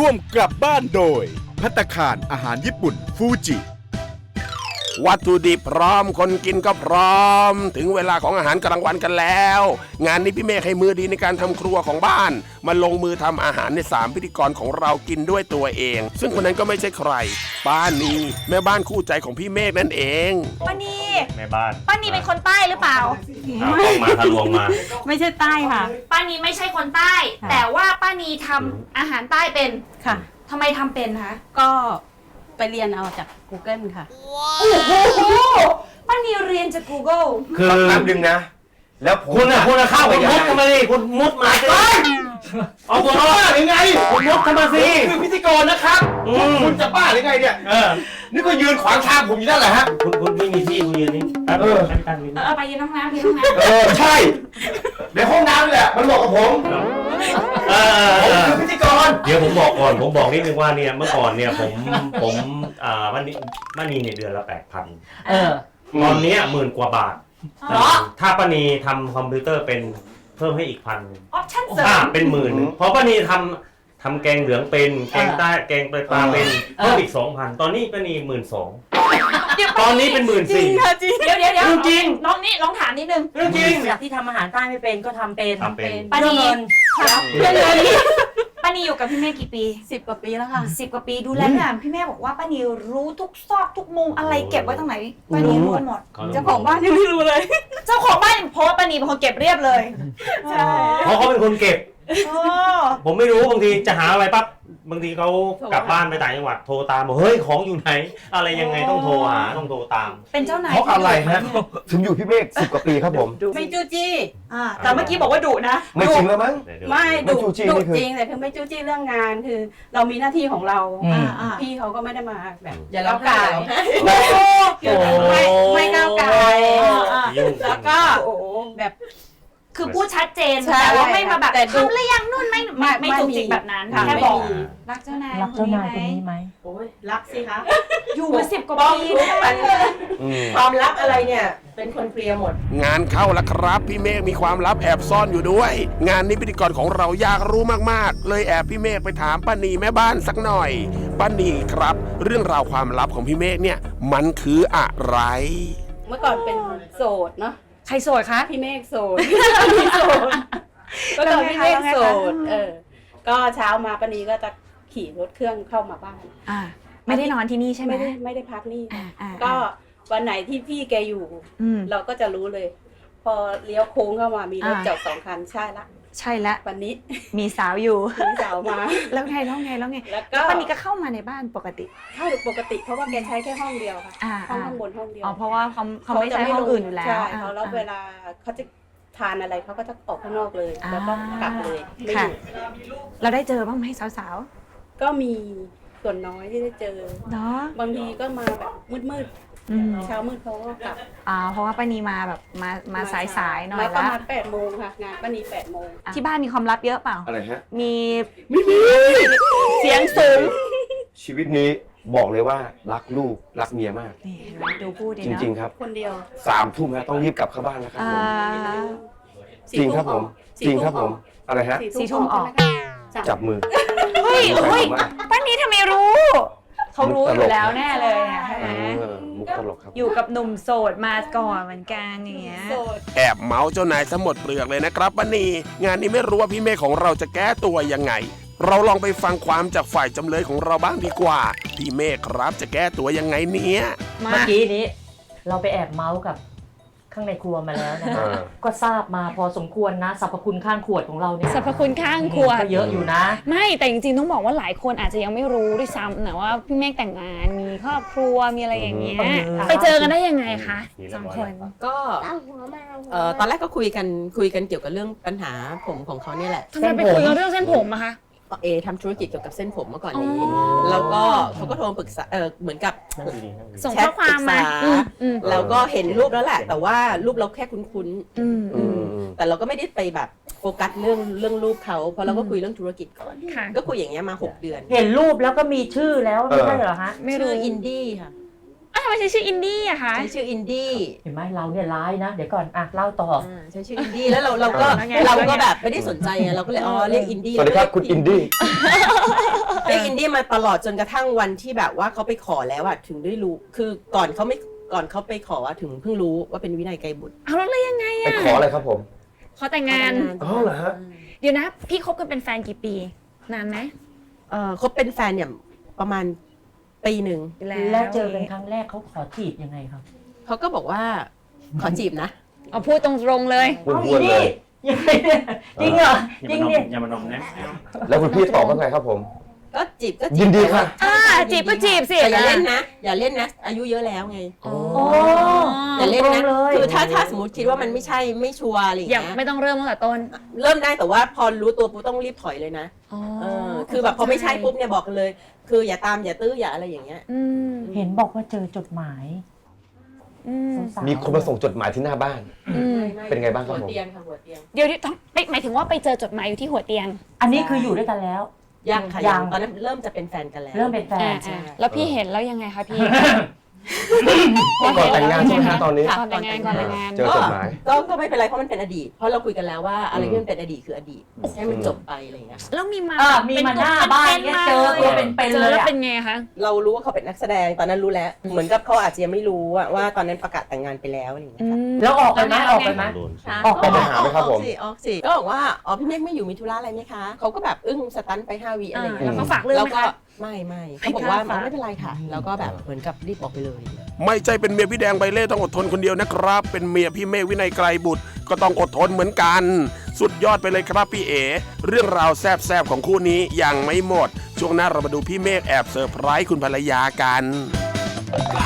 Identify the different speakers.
Speaker 1: ร่วมกลับบ้านโดยภัตตาคารอาหารญี่ปุ่นฟูจิวัตถุดิบพร้อมคนกินก็พร้อมถึงเวลาของอาหารกลางวันกันแล้วงานนี้พี่เมฆให้มือดีในการทำครัวของบ้านมาลงมือทำอาหารใน3พิธีกรของเรากินด้วยตัวเองซึ่งคนนั้นก็ไม่ใช่ใครป้านีแม่บ้านคู่ใจของพี่เมฆนั่นเอง
Speaker 2: ป้านี
Speaker 3: แม่บ้าน
Speaker 2: ป้านีเป็นคนใต้หรือเปล่า
Speaker 3: ต้องมาทะลวงมา
Speaker 4: ไม่ใช่ใต้ค่ะ
Speaker 2: ป้านีไม่ใช่คนใต้แต่ว่าป้านีทำอาหารใต้เป็น
Speaker 4: ค่ะ
Speaker 2: ทำไมทำเป็นคะ
Speaker 4: ก็ไปเรียนเอาจาก Google ค่ะ
Speaker 2: โอ้โหป้านีเรียนจาก Google
Speaker 3: คือ
Speaker 5: แป๊บนึงนะแล้ว
Speaker 3: คุณเข้าคุณมุดเข้ามาดิคุณมุดมาสิเอาตัวรอดยังไงคุณมุดเข้ามาสิ
Speaker 5: คือพิธีกรนะครับคุณจะบ้าหรือไงเนี่ยนี่ก็ยืนขวางทางผมอยู่นั่นแหละฮะ
Speaker 3: คุณไม่มีที่คุณยืนนี่
Speaker 2: ไปยืนห้องน้ำยืนห้องน้ำ
Speaker 5: ใช่ในห้องน้ำนี่แหละมันเหมาะกับผมคือพิธีกร
Speaker 3: เดี๋ยวผมบอกก่อนผมบอกนิดนึงว่าเนี่ยเมื่อก่อนเนี่ยผมวันนี้เนี่ยเดือนละ 8,000ตอนนี้10,000 กว่าบาทถ้าป้านีทำคอมพิวเตอร์เป็นเพิ่มให้อีก1,000
Speaker 2: ออปชั่นเสริม
Speaker 3: เป็น10,000เพราะป้านีทำแกงเหลืองเป็นแกงใต้แกงปลาเป็นเพิ่มอีก 2,000ตอนนี้ป้านี12,000ตอนนี้เป็น14,000
Speaker 4: จริงค่ะจริง
Speaker 2: เดี๋ยวจริงน้องนี่ลองถามนิดนึง
Speaker 3: จริง
Speaker 4: จากที่ทำอาหารใต้ไม่เป็นก็ทำเป็น
Speaker 2: ป้านีเพื่อนเลยป้านีอยู่กับพี่เมฆกี่ปี
Speaker 4: 10 กว่าปีแล้วค่ะ
Speaker 2: 10 กว่าปีดูแลงานพี่เมฆบอกว่าป้านีรู้ทุกซอกทุกมุมอะไรเก็บไว้ตรงไหนป้านีรู้หมด
Speaker 4: เจ้าของบ้านยังไม่รู้เลย
Speaker 2: เจ้าของบ้านเพราะว่าป้านีเป็นคนเก็บเรียบเลย
Speaker 4: ใช่
Speaker 3: เพราะเขาเป็นคนเก็บผมไม่รู้บางทีจะหาอะไรปั๊บบางทีเขากลับบ้านไปต่างจังหวัดโทรตามบอกเฮ้ยของอยู่ไหนอะไรยังไงต้องโทรหาต้องโทรตาม
Speaker 2: เป็นเจ้านาย
Speaker 5: เพราะอะไรฮะถึงอยู่พี่เมฆ10 กว่าปีครับผม
Speaker 4: ไม่จู้จี้
Speaker 2: แต่เมื่อกี้บอกว่าดุนะ
Speaker 5: ไม่จริงแล้วมั้ง
Speaker 4: ไม่ดุจริงแต่คือไม่จู้จี้เรื่องงานคือเรามีหน้าที่ของเราพี่เขาก็ไม่ได้มาแบบอย่าก้าวไก่ไม่ก้าวไก่แล้วก็แบบ
Speaker 2: คือพูดชัดเจนแต่ว่าไม่มาแบบทำหรือยังนู่นไม่จุกจิกแบบนั้นแค่บอกรักเจ้านาย
Speaker 4: คนนี้ไหมโอ้ยรักสิคะ
Speaker 2: อยู่มา10 กว่าปี
Speaker 4: ความลับอะไรเนี่ยเป็นคนเคลียร์หมด
Speaker 1: งานเข้าแล้วครับพี่เมฆมีความลับแอบซ่อนอยู่ด้วยงานนี้พิธีกรของเราอยากรู้มากๆเลยแอบพี่เมฆไปถามป้านีแม่บ้านสักหน่อยป้านีครับเรื่องราวความลับของพี่เมฆเนี่ยมันคืออะไร
Speaker 4: เมื่อก่อนเป็นโสดเนาะ
Speaker 2: ใครโสดคะ
Speaker 4: พี่เมฆโสดก็ตอนพี่เมฆโสดก็เช้ามาป้านีก็จะขี่รถเครื่องเข้ามาบ้าน
Speaker 2: ไม่ได้นอนที่นี่ใช่ไหม
Speaker 4: ไม่ได้พักนี่ก็วันไหนที่พี่แกอยู่เราก็จะรู้เลย พอเลี้ยวโค้งเข้ามามีรถจอด2 คันใช่ละวันนี้
Speaker 2: มีสาวอยู่
Speaker 4: มีสาวมา
Speaker 2: แล้วไงแล้วป้านีก็เข้ามาในบ้านปกติ
Speaker 4: เข้าปกติเพราะว่าแกใช้แค่ห้องเดียวค่ะห้องข้างบนห้องเดียว
Speaker 2: เพราะว่าเขาไม่ใช้ห้องอื่นอยู่แล้ว
Speaker 4: ใช่แล้วเวลาเขาจะทานอะไรเขาก็จะออกข้างนอกเลยแล้วก็กลับเลย
Speaker 2: ค่ะเราได้เจอบ้างไหมสาว
Speaker 4: ๆก็มีส่วนน้อยที่ได้เจอ
Speaker 2: เนาะ
Speaker 4: บางทีก็มาแบบมืดเช้ามืดเขาก็กลับ
Speaker 2: เพราะว่าป้านีมาแบบมาสายหน่อย
Speaker 4: แล้วประมาณ8 โมงค่ะงานป้านี8 โมง
Speaker 2: ที่บ้านมีความลับเยอะเปล่า
Speaker 5: อะไรฮะ
Speaker 2: มีเสียงสูง
Speaker 5: ชีวิตนี้บอกเลยว่ารักลูกรักเมียมาก
Speaker 2: นี่ดูพูดดี
Speaker 5: นะจริงๆครับ
Speaker 4: คนเดียว
Speaker 5: 3 ทุ่มนะต้องรีบกลับเข้าบ้านนะครับจริงครับผมอะไรฮะ
Speaker 2: 4 ทุ่มออก
Speaker 5: จับมือ
Speaker 2: เฮ้ยป้านีทำไมรู้เขารู้อยู่แล้วแน่เลยใช่ไหม
Speaker 5: มุกตลกครับ
Speaker 2: อยู่กับหนุ่มโสดมาก่อนเหมือนกันอย่างเงี้ย
Speaker 1: แอบเมาเจ้านายซะหมดเปลือกเลยนะครับป้านีงานนี้ไม่รู้ว่าพี่เมฆของเราจะแก้ตัวยังไงเราลองไปฟังความจากฝ่ายจำเลยของเราบ้างดีกว่าพี่เมฆครับจะแก้ตัวยังไงเนี่ย
Speaker 6: เมื่อกี้นี้เราไปแอบเมาส์กับข้างในครัวมาแล้วนะคะก็ทราบมาพอสมควรนะสรรพคุณข้างขวดของเราเนี่ย
Speaker 2: สรรพคุณข้างขวด
Speaker 6: ก็เยอะอยู่นะ
Speaker 2: ไม่แต่จริงๆต้องบอกว่าหลายคนอาจจะยังไม่รู้ด้วยซ้ำนะว่าพี่เมฆแต่งงานมีครอบครัวมีอะไรอย่างเงี้ยไปเจอกันได้ยังไงคะ2 คน
Speaker 7: ก็ตอนแรกก็คุยกันเกี่ยวกับเรื่องปัญหาผมของเขาเนี่ยแหละ
Speaker 2: ทำไมไปคุยกันเรื่องเส้นผมอะคะ
Speaker 7: ทำธุรกิจเกี่ยวกับเส้นผมเมื่อก่อนนี้แล้วก็เขาก็โทรมาปรึกษาเหมือนกับ
Speaker 2: ส่งข้อความมา
Speaker 7: แล้วก็เห็นรูปแล้วแหละแต่ว่ารูปเราแค่คุ้นๆแต่เราก็ไม่ได้ไปแบบโฟกัสเรื่องรูปเขาเพราะเราก็คุยเรื่องธุรกิจก่อนก็คุยอย่างเงี้ยมา6 เดือน
Speaker 6: เห็นรูปแล้วก็มีชื่อแล้วไม่ใช่เหรอฮะ
Speaker 7: ไม่รู้อินดี้ค่ะ
Speaker 2: ทำไมใช้ชื่ออินดี้อะคะ
Speaker 7: ใช้ชื่ออินดี้
Speaker 6: เห็นไหมเราเนี่ยร้ายนะ เดี๋ยวก่อนอ่ะเล่าต่อ
Speaker 7: ใช้ชื่ออินดี้แล้วเราก็แบบไม่ได้สนใจไงเราก็เลยเรียกอินดี้
Speaker 5: สวัสดีครับคุณอินดี้
Speaker 7: เรียกอินดี้มาตลอดจนกระทั่งวันที่แบบว่าเขาไปขอแล้วอะถึงได้รู้คือก่อนเขาไปขอถึงเพิ่งรู้ว่าเป็นวินัยไกรบุตร
Speaker 2: เอาแล้วเลยยังไง
Speaker 5: ไป
Speaker 2: อะ
Speaker 5: ขออะไรครับผม
Speaker 2: ขอแต่งงาน
Speaker 5: อ๋อเหรอฮะ
Speaker 2: เดี๋ยวนะ พี่คบกันเป็นแฟนกี่ปี นานไหม
Speaker 7: คบเป็นแฟนเนี่ยประมาณปีหนึ่ง
Speaker 6: แล้วเจอกันครั้งแรกเขาขอจีบยังไงครับ
Speaker 7: เขาก็บอกว่าขอจีบนะ
Speaker 2: เอาพูดตรงๆเลย
Speaker 5: พูดๆเลย
Speaker 6: ยังไงเนี่ยจริงเหรอจริงเนี่ย
Speaker 3: อย่ามานมนะ
Speaker 5: แล้วคุณพี่ตอบว่าไงครับผม
Speaker 7: ก็จีบ
Speaker 5: ยินดีค่ะ
Speaker 2: จีบก็จีบสิ
Speaker 7: แต่อย่าเล่นนะ อย่าเล่นนะ อายุเยอะแล้วไง
Speaker 6: โอ้
Speaker 7: อย่าเล่นนะ
Speaker 6: ตรงเลย
Speaker 7: คือถ้าสมมติคิดว่ามันไม่ใช่ไม่ชัวร์อะไรอย่าง
Speaker 2: อย่า
Speaker 7: เงี้ย
Speaker 2: ไม่ต้องเริ่มตั้งแต่ต้น
Speaker 7: เริ่มได้แต่ว่าพอรู้ตัวปุ๊บต้องรีบถอยเลยนะคือแบบพอไม่ใช่ปุ๊บเนี่ยบอกกันเลย คืออย่าตามอย่าตื้ออย่าอะไรอย่างเงี้ย
Speaker 6: เห็นบอกว่าเจอจดหมายสาวๆ
Speaker 5: มีคนมาส่งจดหมายที่หน้าบ้าน เป็นไงบ้างครับผม
Speaker 7: หัวเตียงค่ะหัวเตียง
Speaker 2: เดี๋ยวหมายถึงว่าไปเจอจดหมายอยู่ที่หัวเตียง
Speaker 6: อันนี้คืออยู่ด้วยกันแล้ว
Speaker 7: ยังค่ะ
Speaker 6: ยั
Speaker 7: ยัง งตอนนั้นเริ่มจะเป็นแฟนกันแล้ว
Speaker 6: เริ่มเป็นแฟน
Speaker 2: แล้วพี่เห็นแล้วยังไงคะพี่
Speaker 5: ก่อนแต่งงานใช่ไหมฮะตอนนี้
Speaker 2: ก่อนแต่งงานก่อนแต่งงาน
Speaker 5: เจอจดหมาย
Speaker 7: ก็ไม่เป็นไรเพราะมันเป็นอดีต เพราะเราคุยกันแล้วว่าอะไรที่มันเป็นอดีตคืออดีตให้มันจบไปอะไรอย่างเงี้ย
Speaker 2: แล้วมีมา
Speaker 6: มีมาหน้าบ้านเนี่ยเจอตัวเป็นๆ
Speaker 2: เจ
Speaker 6: เล
Speaker 2: อย แล้ว
Speaker 6: อะ
Speaker 2: เป็นไงคะ
Speaker 7: เรารู้ว่าเขาเป็นนักแสดงตอนนั้นรู้แล้ว เหมือนกับเขาอาจจะยังไม่รู้ว่าตอนนั้นประกาศแต่งงานไปแล้วอะไรอย่างเงี้ยค่ะ
Speaker 6: แล้วออกไปไหมออกไปไหม ออกไป
Speaker 5: ไปหาไหมครับผม
Speaker 7: ออกสิก็บอกว่าพี่เมฆไม่อยู่มีธุระอะไรไหมคะเขาก็แบบอึ้งสตันไป5 วิอะไรอย่างเงี้ย
Speaker 2: แล้วเขาฝากเรื่อง
Speaker 7: แล้ว
Speaker 2: ไหม
Speaker 7: ก็
Speaker 2: คะ
Speaker 7: ไม่เขาบอกว่าไม่เป็นไรค่ะ แล้วก็แบบเหมือนกับรีบออกไปเลย
Speaker 1: ไม่ใช่เป็นเมียพี่แดงใบเล่ต้องอดทนคนเดียวนะครับ เป็นเมียพี่เมฆวินัยไกรบุตรก็ต้องอดทนเหมือนกัน สุดยอดไปเลยครับพี่เอ๋เรื่องราวแซบๆของคู่นี้ยังไม่หมด ช่วงหน้าเรามาดูพี่เมฆแอบเซอร์ไพรส์คุณภรรยากัน